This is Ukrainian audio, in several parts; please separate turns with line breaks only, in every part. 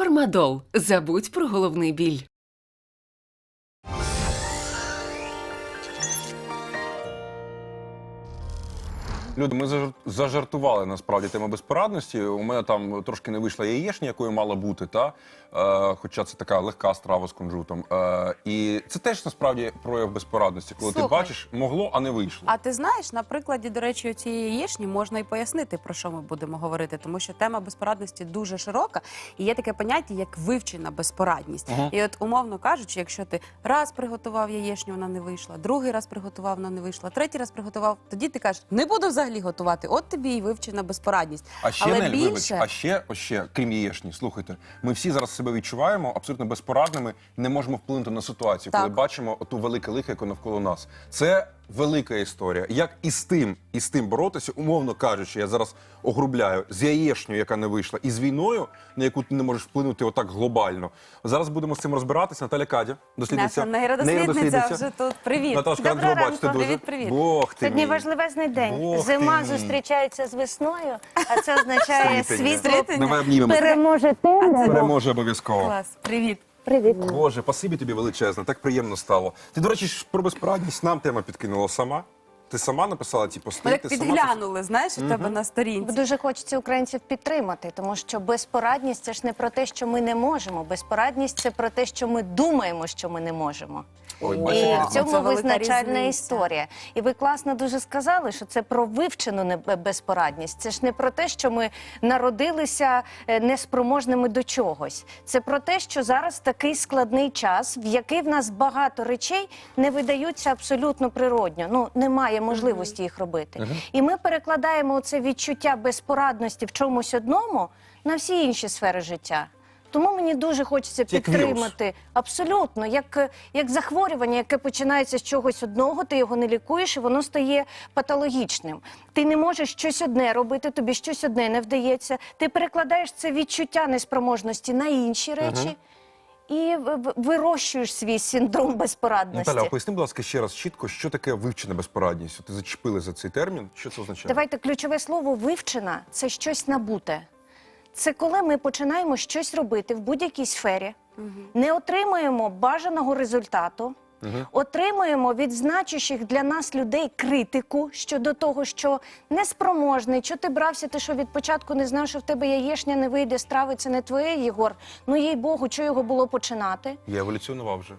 Фармадол. Забудь про головний біль.
Люди, ми зажартували, насправді, тему безпорадності. У мене там трошки не вийшла яєчня, якою мала бути, хоча це така легка страва з кунжутом. І це теж, насправді, прояв безпорадності, коли ти бачиш, могло, а не вийшло.
А ти знаєш, на прикладі, до речі, цієї яєчні можна і пояснити, про що ми будемо говорити, тому що тема безпорадності дуже широка, і є таке поняття, як вивчена безпорадність. І от, умовно кажучи, якщо ти раз приготував яєчню, вона не вийшла, другий раз приготував, вона не вийшла, третій раз приготував, тоді ти кажеш, не буду взагалі готувати, от тобі і вивчена безпорадність.
А ще, Нель, вибач, а ще, крім яєчні, слухайте, ми всі зараз себе відчуваємо абсолютно безпорадними, не можемо вплинути на ситуацію, коли бачимо оту велике лихо, яке навколо нас. Це велика історія. Як із тим боротися, умовно кажучи, я зараз огрубляю, з яєчнею, яка не вийшла, і з війною, на яку ти не можеш вплинути отак глобально. Зараз будемо з цим розбиратися. Наталя Кадя, дослідниця.
Наша нейродослідниця вже тут. Привіт.
Наташка, рад тебе бачити дуже.
Привіт.
Бог ти
Сьогодні
мій.
важливезний день.
Бог
Зима
ти мій.
зустрічається з весною, а це означає світло
Давай обнімемо.
переможе темряву.
Переможе обов'язково.
Клас, привіт.
Привіт.
Боже, спасибі тобі величезне, так приємно стало. Ти, до речі, ж про безпорадність нам тема підкинула сама. Ти сама написала ці пости?
Ми так
ти сама
підглянули, знаєш, у тебе на сторінці.
Дуже хочеться українців підтримати, тому що безпорадність – це ж не про те, що ми не можемо. Безпорадність – це про те, що ми думаємо, що ми не можемо.
Ой,
І
бачите,
в цьому
це велика
визначальна
різниця.
історія. І ви класно дуже сказали, що це про вивчену безпорадність. Це ж не про те, що ми народилися неспроможними до чогось. Це про те, що зараз такий складний час, в який в нас багато речей не видаються абсолютно природньо. Ну, немає можливості їх робити. І ми перекладаємо це відчуття безпорадності в чомусь одному на всі інші сфери життя. Тому мені дуже хочеться
Як вірус.
підтримати. Абсолютно. Як захворювання, яке починається з чогось одного, ти його не лікуєш, і воно стає патологічним. Ти не можеш щось одне робити, тобі щось одне не вдається. Ти перекладаєш це відчуття неспроможності на інші речі і вирощуєш свій синдром безпорадності.
Наталя, поясни, будь ласка, ще раз чітко, що таке вивчена безпорадність? Ти зачепили за цей термін. Що це означає?
Давайте ключове слово «вивчена» – це щось набуте. Це коли ми починаємо щось робити в будь-якій сфері, не отримуємо бажаного результату, отримуємо від значущих для нас людей критику щодо того, що неспроможний, що ти брався, ти що від початку не знав, що в тебе яєчня не вийде, страви це не твоє, Єгор. Ну, їй Богу, що його було починати?
Я еволюціонував вже.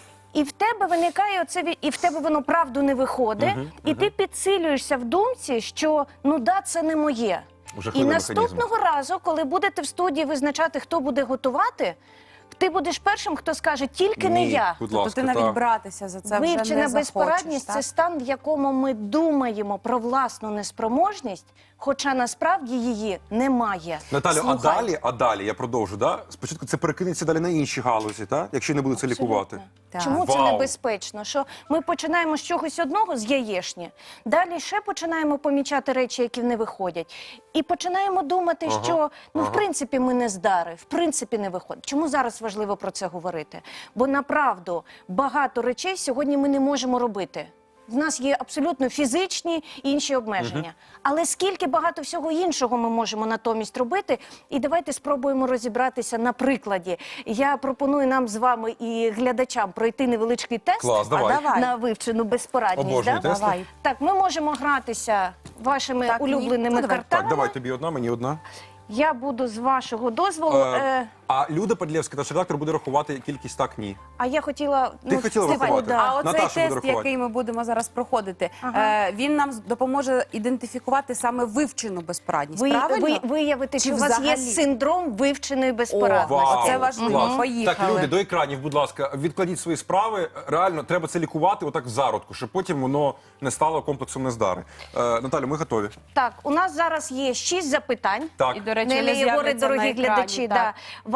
І в тебе виникає оце, і в тебе воно правду не виходить, і ти підсилюєшся в думці, що ну да, це не моє. І
Жахливий
наступного разу, коли будете в студії визначати, хто буде готувати, ти будеш першим, хто скаже, тільки не я.
Будь
Тобто
ласка,
ти навіть братися за це вже не
Вивчена
захочеш,
безпорадність –
так?
це стан, в якому ми думаємо про власну неспроможність, хоча насправді її немає.
Наталю,
Слухай.
а далі, я продовжу, да? Спочатку це перекинеться далі на інші галузі, так? Якщо не буде це лікувати.
Так.
Чому це
Вау.
небезпечно? Що ми починаємо з чогось одного, з яєчні, далі ще починаємо помічати речі, які не виходять, і починаємо думати, що, ну, в принципі, ми не здари, в принципі, не виходить. Чому зараз важливо про це говорити? Бо, направду, багато речей сьогодні ми не можемо робити. В нас є абсолютно фізичні і інші обмеження. Але скільки багато всього іншого ми можемо натомість робити. І давайте спробуємо розібратися на прикладі. Я пропоную нам з вами і глядачам пройти невеличкий тест.
Клас, давай.
давай.
На вивчену безпорадність.
Обожнюю тести.
Давай.
Так, ми можемо гратися вашими
Так, ні.
улюбленими
Ну, давай.
картами.
Так, давай тобі одна, мені одна.
Я буду з вашого дозволу.
А Люда Падлєвська, наш редактор, буде рахувати кількість так, ні.
А я хотіла...
Ти хотіла
Степан,
врахувати?
да.
А оцей
Наташа буде
тест,
рахувати.
який ми будемо зараз проходити,
Ага.
він нам допоможе ідентифікувати саме вивчену безпорадність, правильно?
Виявити,
Чи
що у вас є
взагалі?
синдром вивченої безпорадності.
Вау,
Оце важливо.
клас.
Поїхали.
Так, люди, до екранів, будь ласка, відкладіть свої справи. Реально, треба це лікувати отак в зародку, щоб потім воно не стало комплексом нездари. Наталю, ми готові.
Так, у нас зараз є 6 запитань.
Так.
І, до речі,
Нелі,
вони
Єгоре,
з'являться
дорогі
на екрані,
глядачі,
так.
да.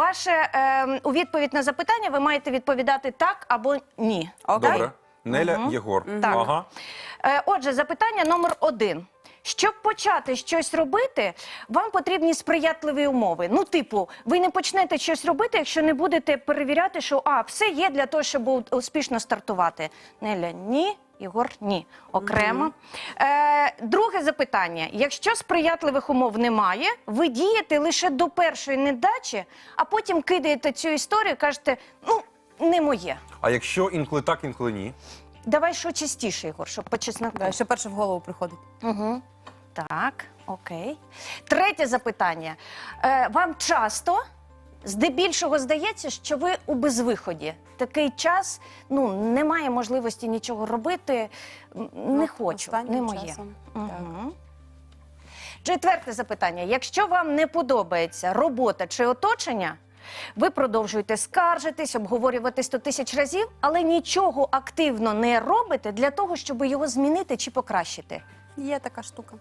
У відповідь на запитання ви маєте відповідати так або ні.
Окей?
Добре. Неля, Єгор.
Так.
Ага.
Отже, запитання номер 1. Щоб почати щось робити, вам потрібні сприятливі умови. Ну, типу, ви не почнете щось робити, якщо не будете перевіряти, що все є для того, щоб успішно стартувати. Неля, ні. Ігор, ні, окремо. Друге запитання. Якщо сприятливих умов немає, ви дієте лише до першої недачі, а потім кидаєте цю історію і кажете, ну, не моє.
А якщо інколи так, інколи ні?
Давай що частіше, Ігор, щоб по чесноку.
Да, що перше в голову приходить.
Угу. Так, окей. Третє запитання. Вам часто, здебільшого, здається, що ви у безвиході? Такий час, ну, немає можливості нічого робити, не хочу, не
Останнім
моє.
часом.
Угу. Четверте запитання. Якщо вам не подобається робота чи оточення, ви продовжуєте скаржитись, обговорювати 100 тисяч разів, але нічого активно не робите для того, щоб його змінити чи покращити.
Є така штука.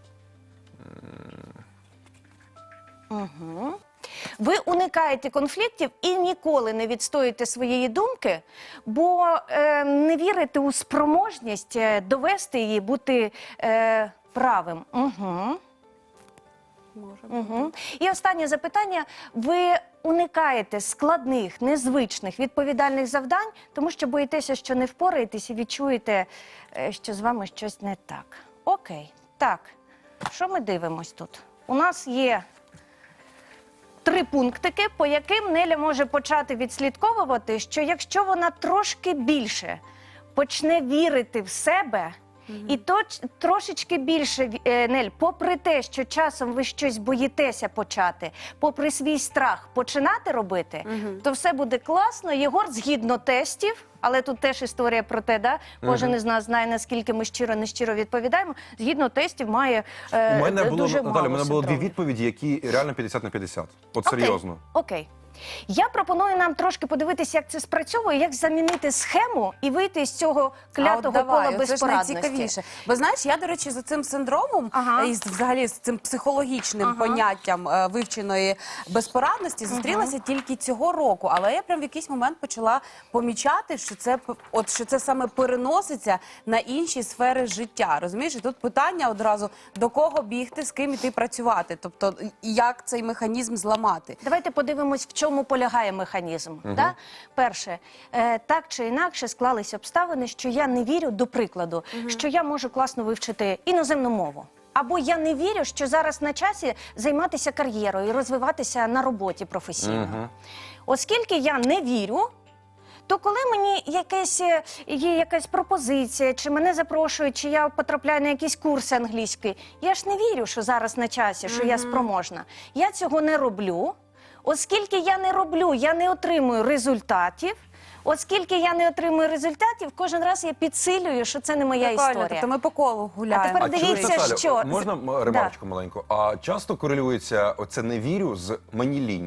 Угу. Ви уникаєте конфліктів і ніколи не відстоюєте своєї думки, бо не вірите у спроможність довести її, бути правим. Угу.
Може.
Угу. І останнє запитання. Ви уникаєте складних, незвичних, відповідальних завдань, тому що боїтеся, що не впораєтесь і відчуєте, що з вами щось не так. Окей. Так, що ми дивимось тут? У нас є 3 пунктики, по яким Неля може почати відслідковувати, що якщо вона трошки більше почне вірити в себе, і трошечки більше, Нель, попри те, що часом ви щось боїтеся почати, попри свій страх починати робити, то все буде класно. Єгор, згідно тестів, але тут теж історія про те, да? Кожен із нас знає, наскільки ми щиро-нещиро відповідаємо, згідно тестів має
У мене було,
дуже
Наталя,
мало
у мене було 2
синдромів.
відповіді, які реально 50 на 50. От серйозно.
Окей. Я пропоную нам трошки подивитися, як це спрацьовує, як замінити схему і вийти з цього клятого кола
це ж
безпорадності.
найцікавіше. Бо знаєш, я, до речі, за цим синдромом і взагалі з цим психологічним поняттям вивченої безпорадності зустрілася тільки цього року. Але я прям в якийсь момент почала помічати, що це саме переноситься на інші сфери життя. Розумієш? І тут питання одразу, до кого бігти, з ким іти працювати. Тобто, як цей механізм зламати.
Давайте подивимось, в чому полягає механізм. Да? Перше, так чи інакше склались обставини, що я не вірю, до прикладу, що я можу класно вивчити іноземну мову. Або я не вірю, що зараз на часі займатися кар'єрою і розвиватися на роботі професійно. Оскільки я не вірю, то коли мені є якась пропозиція, чи мене запрошують, чи я потрапляю на якісь курси англійської, я ж не вірю, що зараз на часі, що я спроможна. Я цього не роблю. Оскільки я не роблю, я не отримую результатів. Оскільки я не отримую результатів, кожен раз я підсилюю, що це не моя історія.
Тобто ми по колу гуляємо.
А тепер
чуєш,
дивіться,
Наталю,
що...
можна ремарочку маленьку? А часто корелюється оце «не вірю» з «мені лінь»?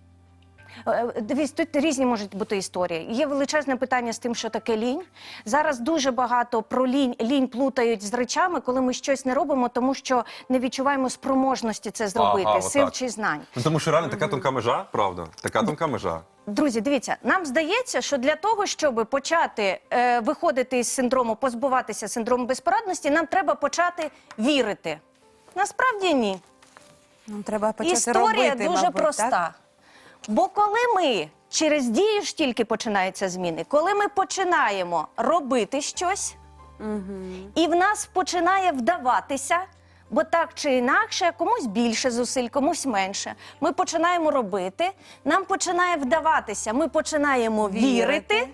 Дивіться, тут різні можуть бути історії. Є величезне питання з тим, що таке лінь. Зараз дуже багато про лінь плутають з речами, коли ми щось не робимо, тому що не відчуваємо спроможності це зробити, сил чи знань.
Ну, тому що реально така тонка межа, правда? Така тонка межа.
Друзі, дивіться, нам здається, що для того, щоб почати виходити із синдрому, позбуватися синдрому безпорадності, нам треба почати вірити. Насправді ні.
Нам треба почати
Історія
робити,
дуже
мабуть,
проста.
так?
Бо коли ми через дію ж тільки починаються зміни, коли ми починаємо робити щось, і в нас починає вдаватися, бо так чи інакше, комусь більше зусиль, комусь менше, ми починаємо робити, нам починає вдаватися, ми починаємо вірити,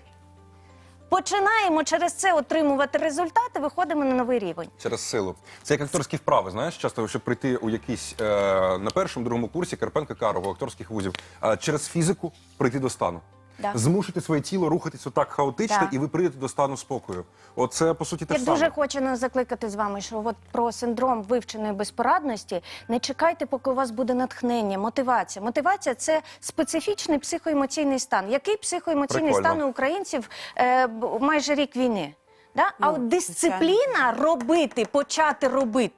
починаємо через це отримувати результати, виходимо на новий рівень.
Через силу. Це як акторські вправи, знаєш, часто, щоб прийти у якийсь, на першому, другому курсі Карпенка-Карого, акторських вузів, через фізику прийти до стану.
Да.
Змусити своє тіло рухатись отак хаотично,
Да.
і ви прийдете до стану спокою. Оце, по суті, те
Я
ж саме.
дуже хочу нас закликати з вами, що от про синдром вивченої безпорадності не чекайте, поки у вас буде натхнення, мотивація. Мотивація – це специфічний психоемоційний стан. Який психоемоційний
Прикольно.
стан у українців майже рік війни? Да? А от дисципліна робити, почати робити,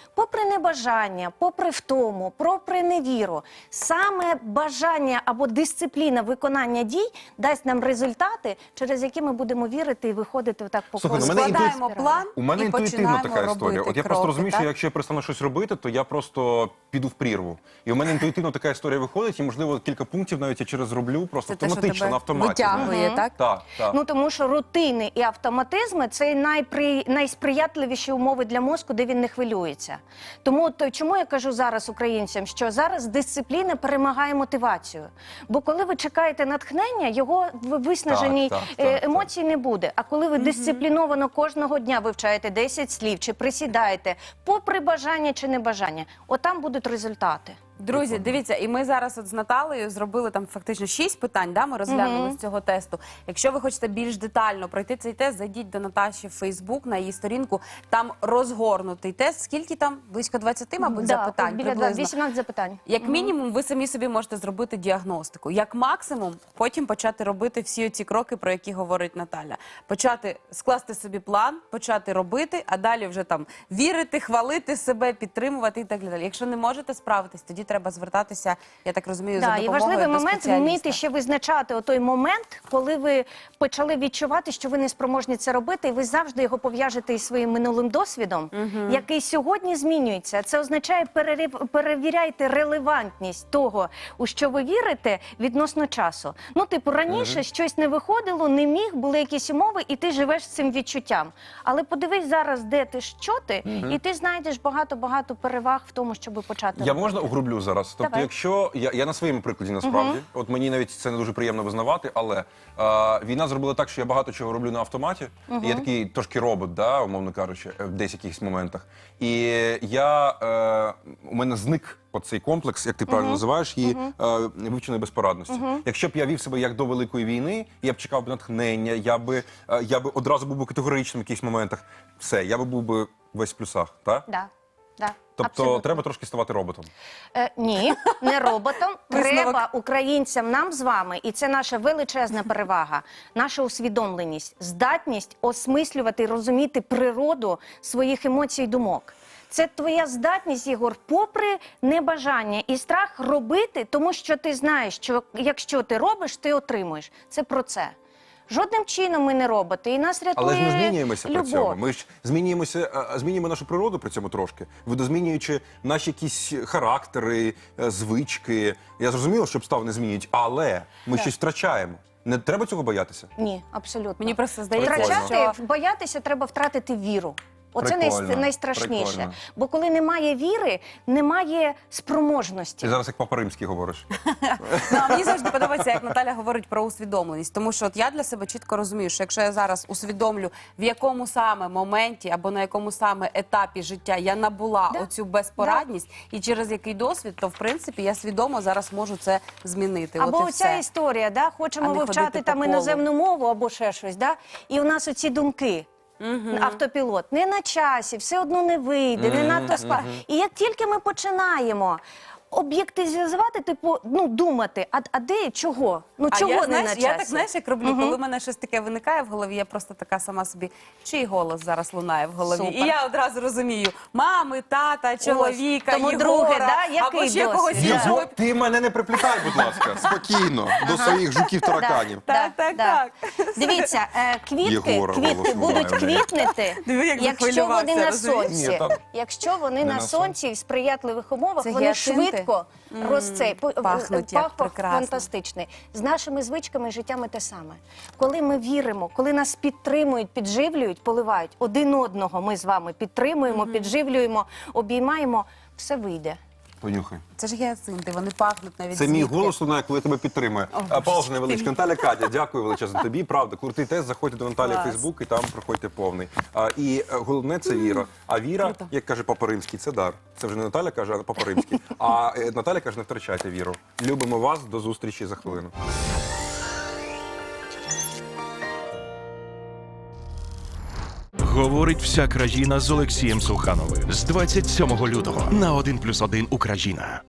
попри небажання, попри втому, попри невіру, саме бажання або дисципліна виконання дій дасть нам результати, через які ми будемо вірити і виходити отак по
Слухай,
колу.
ну, мене
Складаємо
інтуїт-
план
У мене
і
інтуїтивно
починаємо
така історія.
робити
От я просто
кроки,
розумію,
так?
що якщо я перестану щось робити, то я просто піду в прірву. І у мене інтуїтивно така історія виходить, і, можливо, кілька пунктів навіть я через зроблю просто
Це те, що
автоматично,
тебе
на автоматі.
витягує, так?
Так, так.
Ну, тому що рутини і автоматизми – це найсприятливіші умови для мозку, де він не хвилюється. Тому чому я кажу зараз українцям, що зараз дисципліна перемагає мотивацію. Бо коли ви чекаєте натхнення, його в виснаженій
так.
емоцій не буде. А коли ви дисципліновано кожного дня вивчаєте 10 слів, чи присідаєте, попри бажання чи небажання, отам будуть результати.
Друзі, дивіться, і ми зараз от з Наталею зробили там фактично 6 питань, да, ми розглянули з цього тесту. Якщо ви хочете більш детально пройти цей тест, зайдіть до Наташі в Фейсбук, на її сторінку, там розгорнутий тест. Скільки там? Близько 20, мабуть, запитань
біля
приблизно.
18 запитань.
Як мінімум, ви самі собі можете зробити діагностику. Як максимум, потім почати робити всі ці кроки, про які говорить Наталя. Почати скласти собі план, почати робити, а далі вже там вірити, хвалити себе, підтримувати і так далі. Якщо не можете справитись, тоді треба звертатися, я так розумію, за
Да,
допомогою
і важливий
до
момент
спеціаліста.
вміти ще визначати отой момент, коли ви почали відчувати, що ви не спроможні це робити, і ви завжди його пов'яжете із своїм минулим досвідом, який сьогодні змінюється. Це означає, перевіряйте релевантність того, у що ви вірите, відносно часу. Ну, типу, раніше щось не виходило, не міг, були якісь умови, і ти живеш з цим відчуттям. Але подивись зараз, де ти, що ти, і ти знайдеш багато-багато переваг в тому, щоб почати
Я
робити.
можна угрублю зараз? Тобто,
Давай.
якщо я на своєму прикладі насправді, от мені навіть це не дуже приємно визнавати, але війна зробила так, що я багато чого роблю на автоматі. І я такий трошки робот, да, умовно кажучи, в десь якихось моментах. І у мене зник оцей комплекс, як ти правильно називаєш, її вивченої безпорадності. Якщо б я вів себе як до Великої війни, я б чекав натхнення, я би одразу був би категоричним в якихось моментах. Все, я би був би весь в плюсах, так?
Да. Да,
Тобто
абсолютно.
треба трошки ставати роботом.
Ні, не роботом.
Висновок.
Треба українцям, нам з вами, і це наша величезна перевага, наша усвідомленість, здатність осмислювати і розуміти природу своїх емоцій і думок. Це твоя здатність, Єгор, попри небажання і страх робити, тому що ти знаєш, що якщо ти робиш, ти отримуєш. Це про це. Жодним чином ми не роботи, і нас рятує
Але ж ми змінюємося при
любов.
цьому. Ми ж змінюємо нашу природу при цьому трошки, видозмінюючи наші якісь характери, звички. Я зрозумів, що обставини не змінюють, але ми щось втрачаємо. Не треба цього боятися.
Ні, абсолютно.
Мені просто здається,
Прикольно.
Втрачати, боятися треба втратити віру. Оце
Прикольно,
найстрашніше.
прикольно.
Бо коли немає віри, немає спроможності.
Ти зараз як Папа Римський говориш.
Ну, а мені завжди подобається, як Наталя говорить про усвідомленість. Тому що от я для себе чітко розумію, що якщо я зараз усвідомлю, в якому саме моменті або на якому саме етапі життя я набула оцю безпорадність і через який досвід, то в принципі я свідомо зараз можу це змінити.
Або
от і
оця
все.
історія, да? Хочемо
А не
вивчати
ходити
там
по колу.
іноземну мову або ще щось, да? І у нас оці думки. Автопілот не на часі, все одно не вийде, не надто І як тільки ми починаємо об'єктивізувати, типу, ну, думати, а де, чого? Ну,
А
чого
я,
не
знаєш,
на часі?
я так, знаєш, як роблю, коли в мене щось таке виникає в голові, я просто така сама собі, чий голос зараз лунає в голові.
Супер.
І я одразу розумію, мами, тата, чоловіка,
тому,
Єгора,
друге, да,
або
який
ще когось
досвід?
іншого.
Ти мене не приплітай, будь ласка, спокійно, до своїх жуків-тараканів.
Так, так, так.
Дивіться, квітки
Єгора голос
будуть
лунає в неї.
квітнути,
Диви, як
якщо
захвилювався,
вони на
розумієш?
сонці.
Ні, там
Якщо вони
не
на
на
сонці і в сприятливих умовах,
Це
вони
гіацинти?
швидко
Пахнуть як
пах
прекрасно.
фантастичний. З нашими звичками і життями те саме. Коли ми віримо, коли нас підтримують, підживлюють, поливають один одного, ми з вами підтримуємо, підживлюємо, обіймаємо, все вийде.
понюхай.
Це ж гіацинти, вони пахнуть навіть
Це мій
звідки.
голос лунає, коли тебе підтримує. Пауза невеличка. Наталя, Катя, дякую величезно тобі. Правда, крутий тест. Заходьте до Наталі в
Клас.
Фейсбук і там проходьте повний. І головне це віра. А віра,
Круто.
як каже Папа Римський, це дар. Це вже не Наталя каже, а Папа Римський. А Наталя каже, не втрачайте віру. Любимо вас. До зустрічі за хвилину.
Говорить вся країна з Олексієм Сухановим з 27 лютого на 1+1 Україна.